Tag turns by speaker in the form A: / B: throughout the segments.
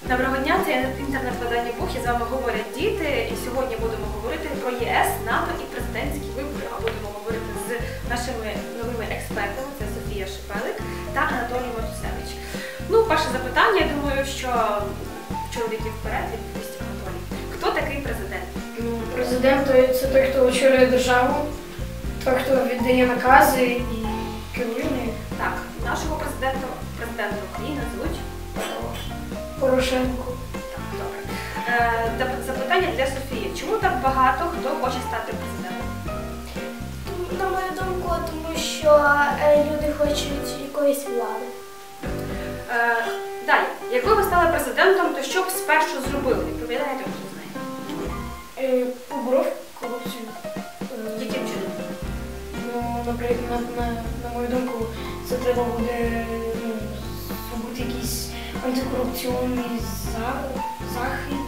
A: Доброго дня, це інтернет-видання «Бух», і з вами говорять діти. І сьогодні будемо говорити про ЄС, НАТО і президентські вибори. А будемо говорити з нашими новими експертами, це Софія Шепелик та Анатолій Матусевич. Ну, перше запитання, я думаю, що чоловіків вперед відповість Анатолій. Хто такий президент?
B: Президент – це той, хто очолює державу, той, хто віддає накази і керує нею.
A: Так, нашого президента України звуть
B: Порошенко.
A: Так, добре. Запитання для Софії. Чому так багато хто хоче стати президентом?
C: На мою думку, тому що люди хочуть якоїсь влади.
A: Далі, якби ви стали президентом, то що б спершу зробили? Відповідаєте, хто знає?
B: Поборов корупцію.
A: Яким чином?
B: Ну, наприклад, на мою думку, це треба буде зробити якийсь антикорупційний захід.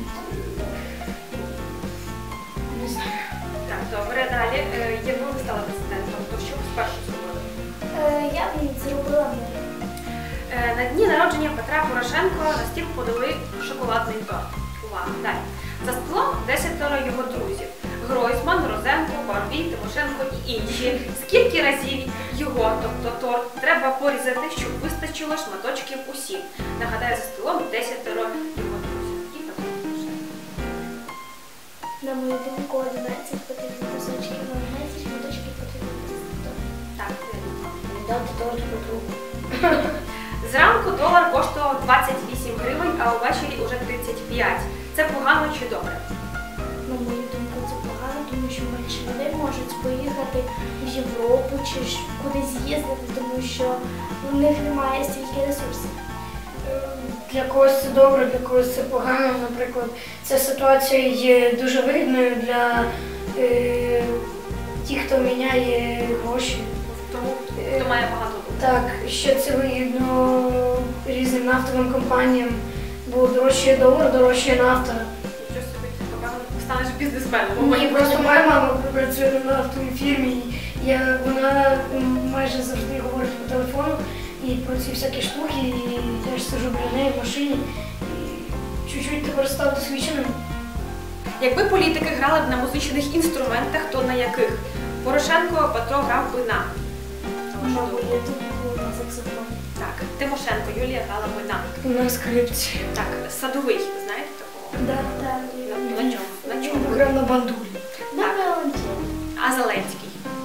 B: Не знаю.
A: Так, добре, далі. Якби ви стали президентом, то що б спершу зробили?
C: Я б зробила мир.
A: На дні народження Петра Порошенка на стіл подали шоколадний торт. Увага, далі. За столом 10 його друзів. Гройсман, Розенко, Барбій, Тимошенко і інші. Скільки разів його, тобто торт, треба порізати, щоб вистачило шматочків усім? Нагадаю, за столом 10 його друзів. І Петро Порошенко.
C: На мою думку, 11 потрібно кусочків, 11 шматочків потрібно торт.
A: Так,
B: Дати торт Петру.
A: зранку долар коштував 28 гривень, а увечері уже 35. Це погано чи добре?
C: На мою думку, це погано, тому що менше людей можуть поїхати в Європу чи кудись з'їздити, тому що у них немає стільки ресурсів.
B: Для когось це добре, для когось це погано. Наприклад, ця ситуація є дуже вигідною для тих, хто міняє гроші.
A: Тому, хто має багато думок.
B: Так, що це вигідно різним нафтовим компаніям, бо дорожчає долар, дорожчає нафта.
A: Нічого собі, напевно, станеш бізнесменом.
B: Мені просто моя мама працює на нафтовій фірмі, і вона майже завжди говорить по телефону і про ці всякі штуки, і я ж сиджу біля неї в машині, і чуть-чуть тепер став досвідченим.
A: Якби політики грали б на музичних інструментах, то на яких? Порошенко, Петро грав би на.
C: На мою думку, на саксофон.
A: Так, Тимошенко, Юлія грала би на.
B: На скрипці.
A: Так, Садовий, знаєте такого?
C: Так.
A: На чому? На чому?
B: Грав на бандурі.
C: На віолончелі.
A: А Зеленський?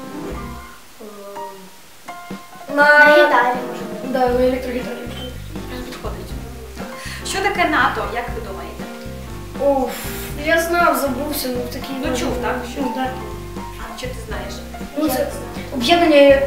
C: На гітарі, може бути.
B: Да, на електрогітарі.
A: Підходить. Так. Що таке НАТО, як ви думаєте?
B: Оф, я знав, забувся, в такій...
A: Ну, чув, так?
B: Ну, так.
A: А що ти знаєш?
B: Ну, це об'єднання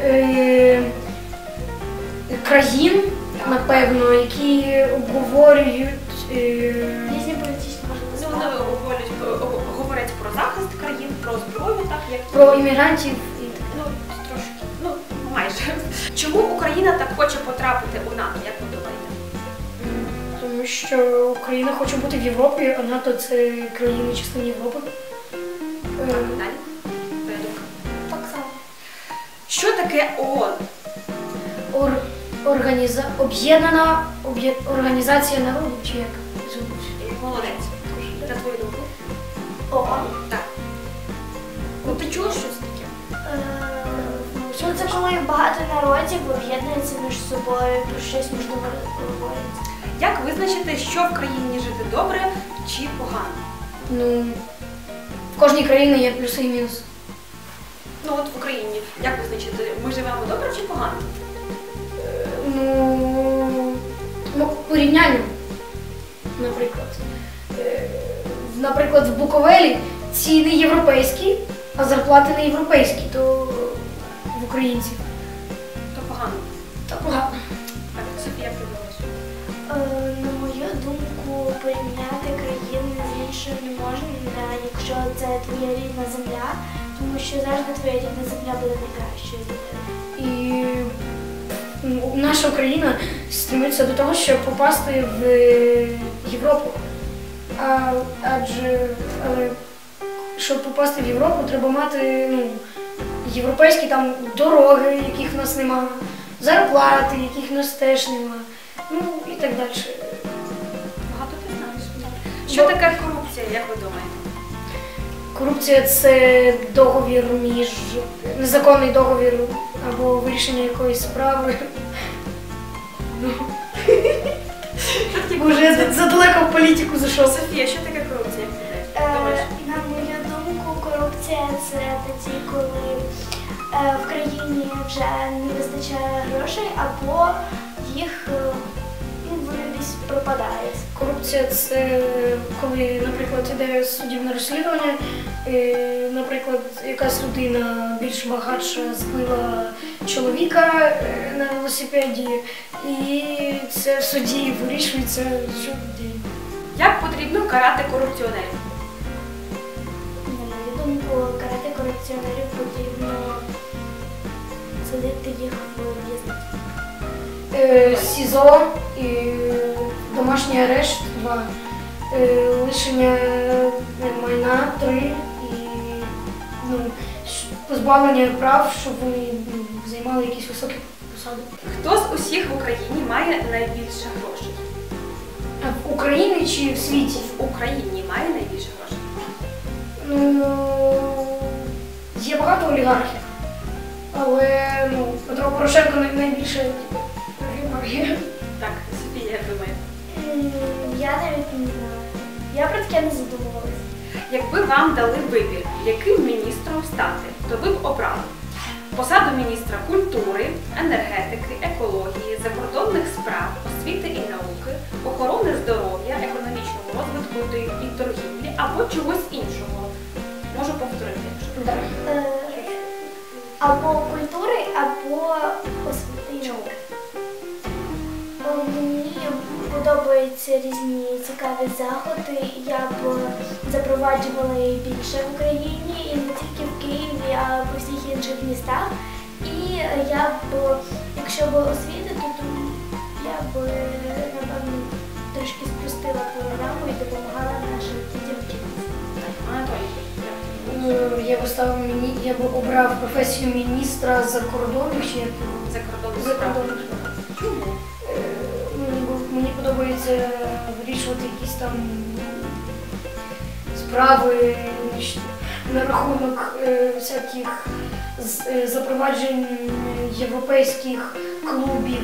B: країн, напевно, які обговорюють
C: Різні політичні
A: Ну,
C: можливості.
A: вони говорять про захист країн, про зброю, так? Як
B: про іммігрантів і так.
A: Ну, трошки, ну, майже. Чому Україна так хоче потрапити у НАТО, як ви думаєте?
B: Тому що Україна хоче бути в Європі, а НАТО – це країни частини Європи.
A: Так, далі. Твоя думка.
C: Так само.
A: Що таке ООН?
B: Об'єднана організація народів, чи як звуть?
A: Молодець. На твою думку?
C: ООН.
A: Так. Ну, ти чула щось таке?
C: Ну, це коли багато народів об'єднуються між собою, про щось можливо говорять.
A: Як визначити, що в країні жити добре чи погано?
B: Ну, в кожній країні є плюси і мінуси.
A: Ну, от в Україні, як визначити, ми живемо добре чи погано?
B: Ну, порівняння, наприклад. Наприклад, в Буковелі ціни європейські, а зарплати не європейські, то в українців.
A: То погано.
B: Та погано.
A: Так, Софія, як ти думаєш?
C: На мою думку, порівняти країни з іншими не можна, якщо це твоя рідна земля, тому що завжди твоя рідна земля буде найкращою для тебе.
B: І наша країна стремиться до того, щоб попасти в Європу. Але щоб попасти в Європу, треба мати європейські там дороги, яких в нас немає, зарплати, яких в нас теж немає, ну і так далі.
A: Багато ти знаєш. Що таке корупція, як ви думаєте?
B: Корупція – це договір між незаконний договір або вирішення якоїсь справи. Уже я задалеко в політику зайшов.
A: Софія, що таке корупція? Як ти думаєш?
C: На мою думку, корупція це тоді, коли в країні вже не вистачає грошей, або їх вони десь пропадають.
B: Корупція – це коли, наприклад, іде суддівне розслідування, наприклад, якась людина більш багатша збила чоловіка на велосипеді, і це в суді вирішується щодень.
A: Як потрібно карати корупціонерів?
C: На мою думку, карати корупціонерів потрібно садити їх в в'язницю.
B: СІЗО, домашній арешт 2, лишення майна 3 і позбавлення прав, щоб вони займали якісь високі посади.
A: Хто з усіх в Україні має найбільше грошей?
B: А в Україні чи в світі?
A: В Україні має найбільше грошей?
B: Є багато олігархів, але Петро Порошенко найбільше олігархів.
A: Так, Софія, як думає.
C: Я навіть не знаю. Я про таке не задумувалася.
A: Якби вам дали вибір, яким міністром стати, то ви б обрали посаду міністра культури, енергетики, екології, закордонних справ, освіти і науки, охорони здоров'я, економічного розвитку і торгівлі або чогось іншого. Можу повторити, якщо
C: Або культури, або освіти і науки. Мені подобаються різні цікаві заходи. Я б запроваджувала їх більше в Україні, і не тільки в Києві, а по всіх інших містах. І я б, якщо б освітити, то я б, напевно, трошки спростила програму і допомагала нашим дітям вчитися.
A: Анатолій.
B: Я б обрав професію міністра закордонних чи
A: Закордонних справ. Чому?
B: Мені подобається вирішувати якісь там справи на рахунок всяких запроваджень європейських клубів,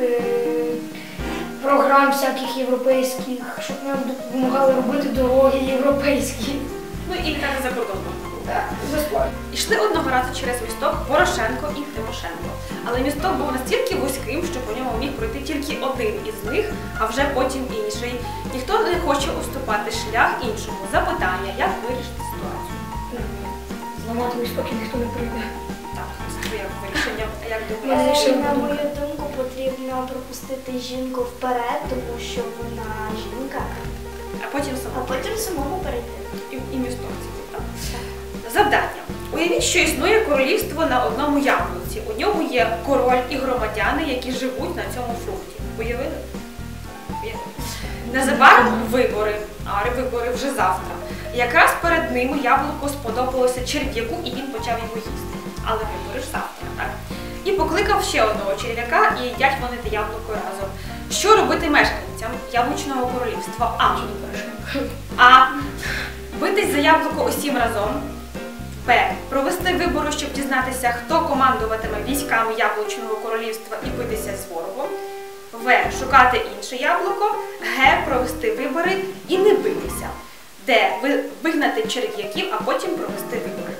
B: програм всяких європейських, щоб нам допомагали робити дороги європейські.
A: Ну і так за кордоном.
B: Так, безплатно.
A: Ішли одного разу через місток Порошенко і Тимошенко. Але місток був настільки вузьким, що по ньому міг пройти тільки один із них, а вже потім інший. Ніхто не хоче уступати шлях іншому. Запитання, як вирішити ситуацію?
B: Зламати місток і ніхто не прийде.
A: Так, своє вирішення. А як
B: Я
A: думаєте?
B: вирішила.
C: На мою думку, потрібно пропустити жінку вперед, тому що вона жінка,
A: А потім
C: а
A: само.
C: потім самому перейти.
A: І місток цілий, так? Завдання. Уявіть, що існує королівство на одному яблуці. У ньому є король і громадяни, які живуть на цьому фрукті. Уявили? Уявили. Незабаром вибори, а вибори вже завтра. Якраз перед ними яблуко сподобалося черв'яку, і він почав його їсти. Але вибори ж завтра, так? І покликав ще одного черв'яка, і їдять вони те яблуко разом. Що робити мешканцям яблучного королівства? А. Битись за яблуко усім разом. Б. Провести вибори, щоб дізнатися, хто командуватиме військами яблучного королівства і битися з ворогом. В. Шукати інше яблуко. Г. Провести вибори і не битися. Д. Вигнати черв'яків, а потім провести вибори.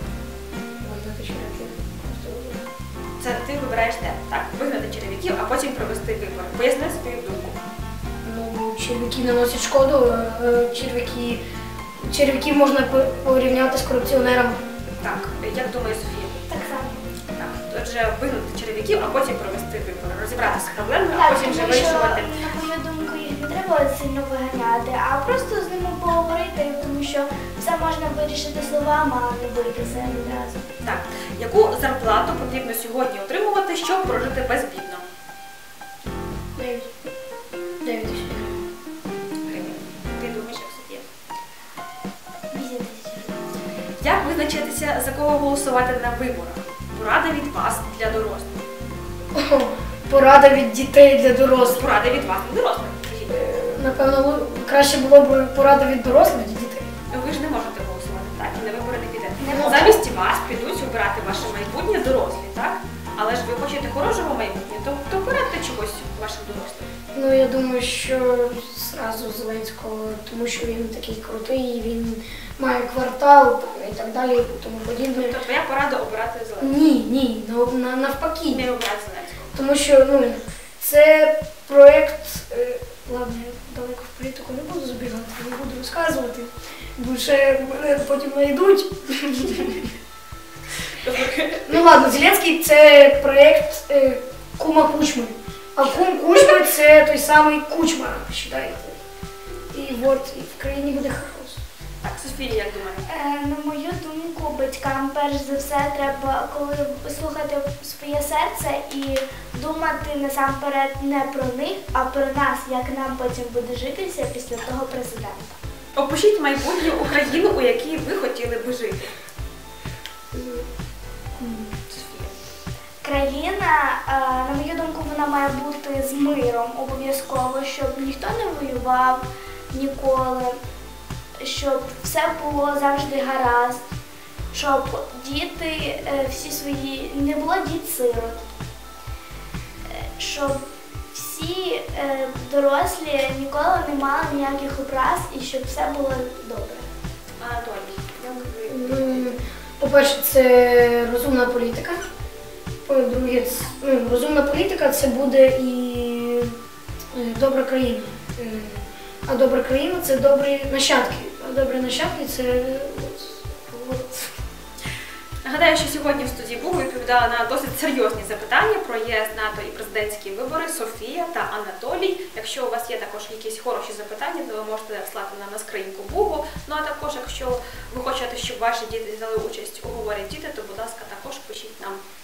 A: Це ти вибираєш Д. Так, вигнати черв'яків, а потім провести вибори. Поясни свою думку.
B: Черв'яки наносять шкоду, черв'яків можна порівняти з корупціонерами.
A: Так, як думає Софія?
C: Так само.
A: Так, отже, вигнати черв'яків, а потім провести вибори. Розібратися з проблемою, а
C: Так,
A: потім вже
C: тому що,
A: вирішувати.
C: на мою думку, їх не треба сильно виганяти, а просто з ними поговорити, тому що все можна вирішити словами, а не битися відразу.
A: Так, яку зарплату потрібно сьогодні отримувати, щоб прожити безбідно?
B: 9 тисяч.
A: Гривень. Ти думаєш, як Софія?
C: 8 тисяч.
A: Як визначитися, за кого голосувати на виборах? Порада від вас для дорослих.
B: Порада від дітей для дорослих.
A: Порада від вас для дорослих. Скажіть.
B: напевно, краще було б порада від дорослих дітей.
A: Ви ж не можете голосувати, так? І на вибори не підете.
C: Не можу.
A: Замість вас підуть обирати ваше майбутнє дорослі, так? Але ж ви хочете хорошого майбутнього, то порадьте чогось вашим дорослим.
B: Ну, я думаю, що зразу Зеленського, тому що він такий крутий, він має квартал і так далі, і тому подібне.
A: Тобто твоя порада обирати Зеленського.
B: Ні, навпаки.
A: Не обирати Зеленського.
B: Тому що, це проєкт, ладно, я далеко в політику не буду забігати, не буду розказувати, бо ще мене потім знайдуть. Ну ладно, Зеленський – це проєкт кума Кучми. А кум Кучми – це той самий Кучма, вважаєте. І от, і в країні буде хаос.
A: Так, Софія, як думаєте?
C: На мою думку, батькам перш за все треба, коли слухати своє серце і думати насамперед не про них, а про нас, як нам потім буде житися після того президента.
A: Опишіть майбутню Україну, у якій ви хотіли би жити. Софія.
C: Країна, на мою думку, вона має бути з миром обов'язково, щоб ніхто не воював ніколи, щоб все було завжди гаразд, щоб діти всі свої, не було діт-сирот, щоб всі дорослі ніколи не мали ніяких образ і щоб все було добре.
A: Анатолій, як ви?
B: По-перше, це розумна політика. По-друге, розумна політика – це буде і добра країна. А добра країна – це добрі нащадки. А добрі нащадки – це
A: Нагадаю, що сьогодні в студії Бугу відповідала на досить серйозні запитання про ЄС, НАТО і президентські вибори Софія та Анатолій. Якщо у вас є також якісь хороші запитання, то ви можете слати нам на скриньку Бугу. Ну а також, якщо ви хочете, щоб ваші діти взяли участь у «Говорять діти», то, будь ласка, також пишіть нам.